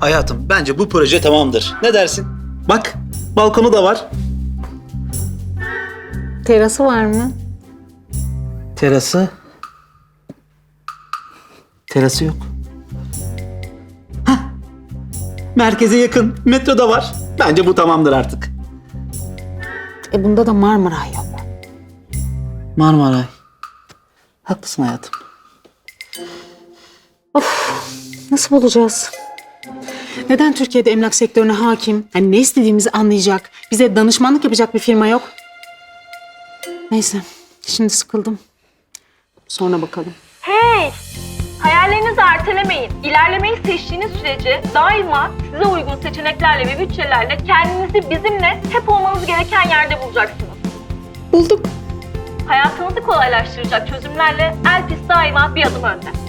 Hayatım, bence bu proje tamamdır. Ne dersin? Bak, balkonu da var. Terası var mı? Terası? Terası yok. Hah! Merkeze yakın, metro da var. Bence bu tamamdır artık. Bunda da Marmaray yok. Marmaray. Haklısın hayatım. Nasıl bulacağız? Neden Türkiye'de emlak sektörüne hakim, hani ne istediğimizi anlayacak, bize danışmanlık yapacak bir firma yok? Neyse, şimdi sıkıldım. Sonra bakalım. Hey! Hayallerinizi ertelemeyin. İlerlemeyi seçtiğiniz sürece daima size uygun seçeneklerle ve bütçelerle kendinizi bizimle hep olmanız gereken yerde bulacaksınız. Bulduk. Hayatınızı kolaylaştıracak çözümlerle Elpis daima bir adım önde.